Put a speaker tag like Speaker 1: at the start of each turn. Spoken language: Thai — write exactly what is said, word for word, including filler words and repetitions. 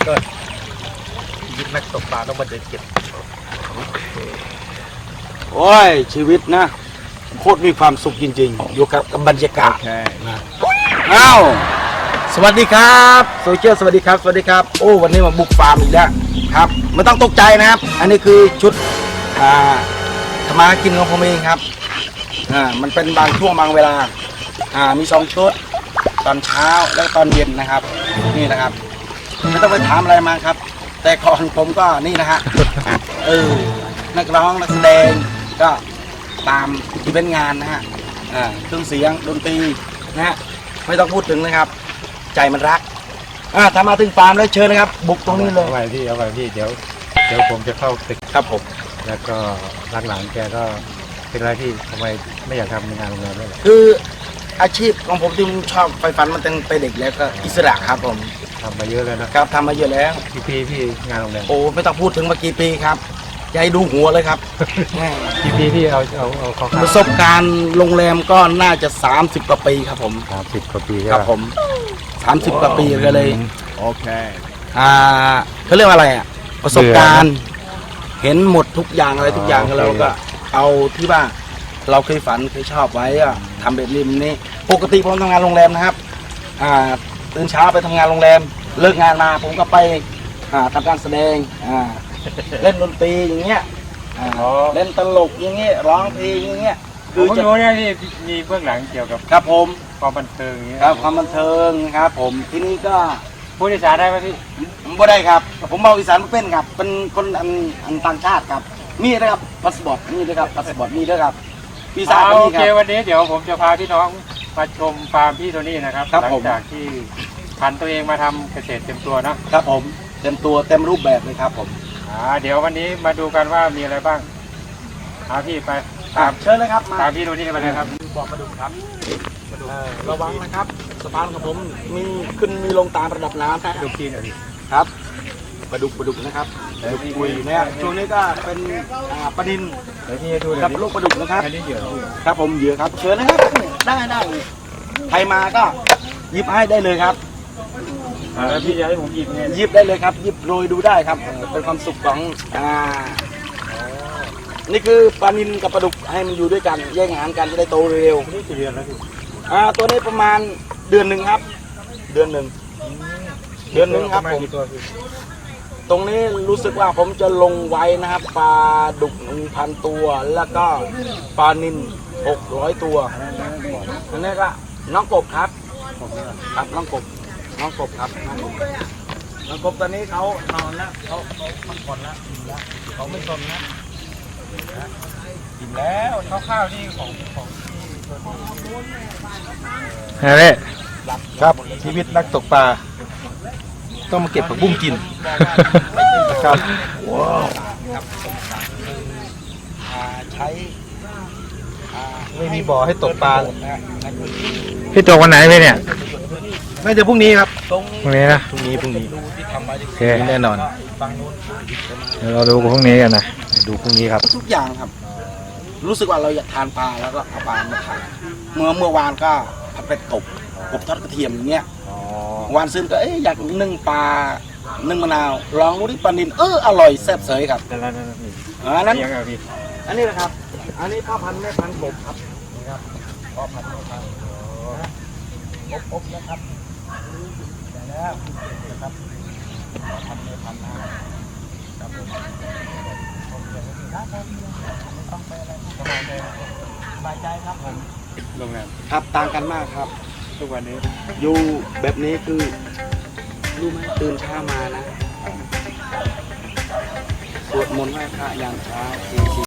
Speaker 1: ก็ยิงนักตกปลาต้องมาเดินเก็บ
Speaker 2: โอ้ยชีวิตนะโคตรมีความสุขจริงๆอยู่กับบรรยากาศนะอ้าวสวัสดีครับโซเชียลสวัสดีครับสวัสดีครับโอ้วันนี้มาบุกฟาร์มอีกแล้วครับไม่ต้องตกใจนะครับอันนี้คือชุดอ่าทำมากินของผมเองครับอ่ามันเป็นบางช่วงบางเวลาอ่ามีสองชุดตอนเช้าและตอนเย็นนะครับนี่นะครับไม่ต้องไปถามอะไรมาครับแต่ก่อนผมก็นี่นะฮะเออนักร้องนักแสดงก็ตามที่เป็นงานนะฮะอ่าเครื่องเสียงดนตรีนะฮะไม่ต้องพูดถึงนะครับใจมันรักอ่าถ้ามาถึงฟาร์มแล้วเชิญนะครับบุกตรงนี้เลย
Speaker 1: เอาไว้พี่เอาไว้พี่เดี๋ยวเดี๋ยวผมจะเข้าตึก
Speaker 2: ครับผม
Speaker 1: แล้วก็หลังๆแกก็เป็นไรพี่ทำไมไม่อยากทำงานโรงแรมด้วยล่ะ
Speaker 2: คืออาชีพของผมที่ผมชอบไฟฟันมันตั้งแต่เด็กแล้วก็อิสระครับผม
Speaker 1: ทำมาเยอะแล้วนะครับ
Speaker 2: ทำมาเยอะแล้ว
Speaker 1: กี่ปีพี่งานโรงแรม
Speaker 2: โอ้ไม่ต้องพูดถึงมากี่ปีครับอย่าให้ดูหัวเลยครับ
Speaker 1: กี่ปีพี่เอาเอาเอาเขา
Speaker 2: ประสบการณ์โรงแรมก็น่าจะสามสิบกว่าปีครับผม
Speaker 1: สามสิบกว่าปี
Speaker 2: ครับผมสามสิบกว่าปีก็เลย
Speaker 1: โอเค
Speaker 2: อ่าเขาเรียกว่าอะไรอ่ะประสบการณ์เห็นหมดทุกอย่างอะไรทุกอย่างแล้วก็เอาที่ว่าเราเคยฝันเคยชอบไว้อะทำแบบนี้นี่ปกติผมทำงานโรงแรมนะครับอ่าตื่นเช้าไปทำงานโรงแรมเลิกงานมาผมก็ไปอ่าทำการแสดงอ่าเล่นดนตรีอย่างเงี้ยเล่นตลกอย่างเงี้ยร้องเพลงอย่างเงี้ย
Speaker 1: คือจะรู้เนี่ยที่มีเบื้องหลังเกี่ยวกับ
Speaker 2: ครับผม
Speaker 1: ความบันเทิงอย่างเงี้ย
Speaker 2: ครับความบันเทิงครับผมที่นี่ก็
Speaker 1: พูดอีสานได้ไหมพี่
Speaker 2: ผมไม่ได้ครับผมเมาอีสานไม่เป็นครับเป็นคนอันอันต่างชาติครับมีนะครับพาสปอร์ตมีด้วยครับพาสปอร์ตมีด้วยครับ
Speaker 1: วีซ่าโอเควันนี้เดี๋ยวผมจะพาพี่น้องมาชมฟาร์มพี่โทนี่นะครับหลังจากที่ผันตัวเองมาทำเกษตรเต็มตัวนะครับ
Speaker 2: ผมเต็มตัวเต็มรูปแบบเลยครับผม
Speaker 1: อ่าเดี๋ยววันนี้มาดูกันว่ามีอะไรบ้างเอาพี่ไป
Speaker 2: ตามเชิญเลยครับ
Speaker 1: ตามพี่โทนี่ไปเลยครับ
Speaker 2: บอกมาดูครับระวังนะครับสะพานของผมมีขึ้นมีลงตามระดับน้ำนะ
Speaker 1: ดูพี่หน่อย
Speaker 2: ครับปลาดุกปลาดุกนะครับปลาดุกปุยเนี่ยช่วงนี้ก็เป็นปลาดินกับลูกปลาดุกนะครับ
Speaker 1: อันนี้เหยื่อ
Speaker 2: ครับผมเหยื่อครับเชิญนะครับได้ได้ใครมาก็หยิบให้ได้เลยครับ
Speaker 1: แล้วพี่จะให้ผมหยิบเนี่ย
Speaker 2: หยิบได้เลยครับหยิบโรยดูได้ครับเป็นความสุขของอ่านี่คือปลานิลกับปลาดุกให้มันอยู่ด้วยกันแยกอาหารกันจะได้โตเร็ว
Speaker 1: นี่กี่เดือนแล้วพี่
Speaker 2: อ่าตัวนี้ประมาณเดือนหนึ่งครับเดือนหนึ่งเดือนหนึ่งครับผมตรงนี้รู้สึกว่าผมจะลงไว้นะครับปลาดุกหนึ่งพันตัวแล้วก็ปลานิลหกร้อยตัวอันนี้ก็น้องกบครับครับน้องกบน้องกบครับน้องกบน้องกบตอนนี้เขานอนแล้วเขาเขาพักผ่อนแล้วอิ่มแล้วเขาไม่สนนะอิ่มแล้ว
Speaker 1: ข้าวๆที่ของของ
Speaker 3: เฮ้ย
Speaker 1: ครับชีวิตนักตกปลาต้องมาเก็บผักบุ้งกินนะครับว้าว
Speaker 2: ใช้
Speaker 1: ไม่มีบ่อให้ตกปลา
Speaker 3: พี่ตกวันไหนพี่เนี่ย
Speaker 1: น่าจะพรุ่งนี้ครับ
Speaker 3: พรุ่งนี้นะ
Speaker 1: พรุ่งนี้พรุ่งนี้
Speaker 3: โอเค
Speaker 1: แน่นอน
Speaker 3: เดี๋ยวเราดูพรุ่งนี้กันนะ
Speaker 1: ดูพรุ่งนี้ครับ
Speaker 2: ทุกอย่างครับรู้สึกว่าเราอยากทานปลาแล้วก็เอาปลามาทานเมื่อเมื่อวานก็ผัดเป็ดกบกบทอดกระเทียมอย่างเงี้ยวันซึ่งก็เอ๊ะอยากนึ่งปลานึ่งมะนาวลองดูที่ปลานิลเอออร่อยแซ่บเสยครับ
Speaker 1: แต่ละนั่นนี่
Speaker 2: อันนั้น
Speaker 1: อัน
Speaker 2: นี้นะครับอันนี้พ่อพันธุ์แม่พันธุ์กบครับนี่ครับพ่อพันธุ์แม่พันธุ์อบอบนะครับแต่แล้วนะครับพ่อพันธุ์แม่พันธุ์นะครับผมต้องไปอะไรสบายใจสบายใจครับผม
Speaker 1: โรงแรม
Speaker 2: ครับต่างกันมากครับ
Speaker 1: ทุกวันนี้
Speaker 2: อยู่แบบนี้คือรู้ไหมตื่นเช้ามานะสวดมนต์ไหว้พระยามเช้า